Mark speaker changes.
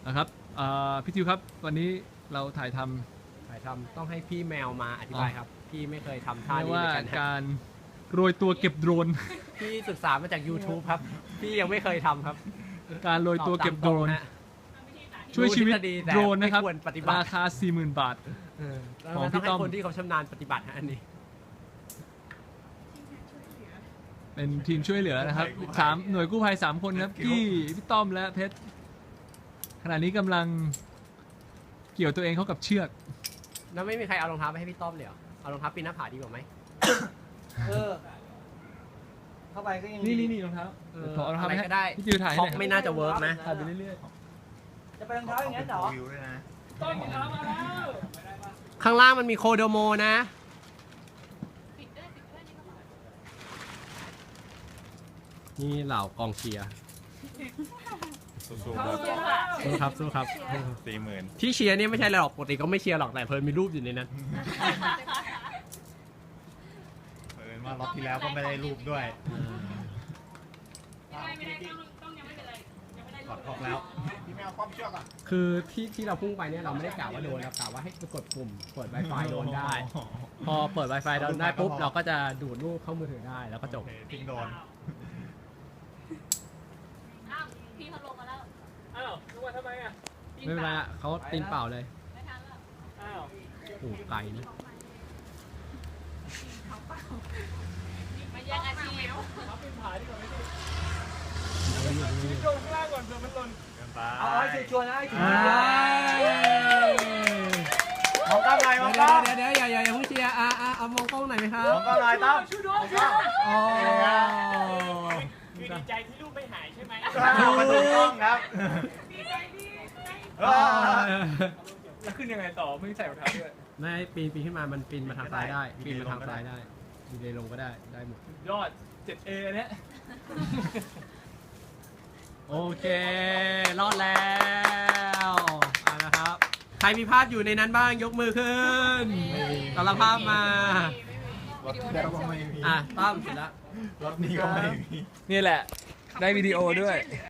Speaker 1: นะครับพี่ทิวครับวันนี้เราถ่ายท
Speaker 2: ต้องให้พี่แมวมาอธิบายครับพี่ไม่เคยทำ
Speaker 1: ำ
Speaker 2: ท่า
Speaker 1: เรียก
Speaker 2: นี้
Speaker 1: ว่า
Speaker 2: เหมือนกัน
Speaker 1: การโรยตัวเก็บโดรน
Speaker 2: พี่ศึกษามาจาก YouTube ครับพี่ยังไม่เคยทำครับ
Speaker 1: การโรยตัวเก็บโดรน
Speaker 2: ตอบตามตรงฮะ
Speaker 1: ช่วยชีวิต
Speaker 2: รู้ทฤษฎีแต่
Speaker 1: โดรนนะครับ
Speaker 2: ไม่ควรปฏิบัติ
Speaker 1: ราคา 40,000 บาท ของพี่
Speaker 2: ต้องให้
Speaker 1: ต้อม
Speaker 2: คนที่เขาชำนาญปฏิบัติฮะอันนี้
Speaker 1: เป็นทีมช่วยเหลือนะครับ3หน่วยกู้ภัย3 คนครับกี้พี่ต้อมและเพชรขณะนี้กำลังเกี่ยวตัวเองเข้ากับเชือก
Speaker 2: แล้วไม่มีใครเอารองเท้าไปให้พี่ต้อมเลยเหรอเอารองเท้าปีนหน้าผาดีกว่าไหม
Speaker 3: เข้าไปก็ยัง
Speaker 1: นี่รองเท้าถอดรองเท้า
Speaker 2: อะไร
Speaker 1: ไปให้
Speaker 2: ก็ได้
Speaker 1: พี่จิวถ่ายให้
Speaker 2: ท็
Speaker 1: ห
Speaker 2: อป
Speaker 1: น่อย
Speaker 2: ไม่น่าจะเวิร์กนะ
Speaker 1: ถ่ายไปเรื่อย
Speaker 3: จะไปรองเท้าอย่างนั้นเหรอ
Speaker 4: วิวด้วยนะ
Speaker 2: ข้างล่างมันมีโคโดโมนะนี่เหล่ากองเชียร์
Speaker 4: สู้ๆครับ
Speaker 2: สู้ครับสู้ครับ
Speaker 4: 40,000
Speaker 2: ที่เชียร์เนี่ยไม่ใช่อะไรหรอกปกติก็ไม่เชียร์หรอกแต่เพิ่นมีรูปอยู่ในนั้น
Speaker 4: เผอิญว่ารอบที่แล้วก็ไม่ได้รูปด้วยกดออกแล้วพี่แมวคว่ำเชือกอ่ะ
Speaker 2: คือที่เราพุ่งไปเนี่ยเราไม่ได้กล่าวว่าโดนเรากล่าวว่าให้กดปุ่มเปิด Wi-Fi โดนได้ พอเปิด Wi-Fi โดนได้ปุ๊บเราก็จะดูดรูปเข้ามือถือได้แล้วก็จบ
Speaker 4: โอเคทิ้งโดน
Speaker 5: อ้าวพี่เขาลงมาแล้ว
Speaker 1: อ้าวนึกว่าทำไมอ่ะ
Speaker 2: ไม่เป็นไรอะเขาตีนเปล่าเลย
Speaker 5: ไม่ทันแล้ว
Speaker 1: อ้าว
Speaker 2: โอ้ไกลนะ
Speaker 5: มาแย่งอาชีพ
Speaker 1: รับเป็นผาดีกว่าไหมพี่ลงข้างล่างก่อนเผื่อมันหล่น
Speaker 4: เดินไป
Speaker 3: เอาให้ชวนๆนะให้ชวน
Speaker 4: มองกล้องหน่อยมองกล้อง
Speaker 2: เดี๋ยวอย่าเพิ่งเชียร์เอามองกล้องหน่อยไหมครับ
Speaker 4: มองกล้องหน่อยตั้ม
Speaker 1: ช่วยด้วย
Speaker 2: อ๋อ
Speaker 1: คือดีใจที่รูปไม่หายใช่ไหม
Speaker 4: มาดูกล้องครับ
Speaker 1: แล้วขึ้นยังไงต่อไม่ใส่รองเท้าด้วย
Speaker 2: ไม่ปีนขึ้นมามันปีนมาทางซ้ายได้ปีนมาทางซ้ายได้มีเลยลงก็ได้หมด
Speaker 1: ยอด 7A อันเนี้ย
Speaker 2: โอเค รอดแล้วนะครับ ใครมีภาพอยู่ในนั้นบ้างยกมือขึ้นกำลังภาพมาร
Speaker 4: ถที่แล้วก็ไม่มี
Speaker 2: ตั้มเสร็จแล้ว
Speaker 4: รถนี้ก็ไม่มี
Speaker 1: นี่แหละ ได้วิดีโอด้วย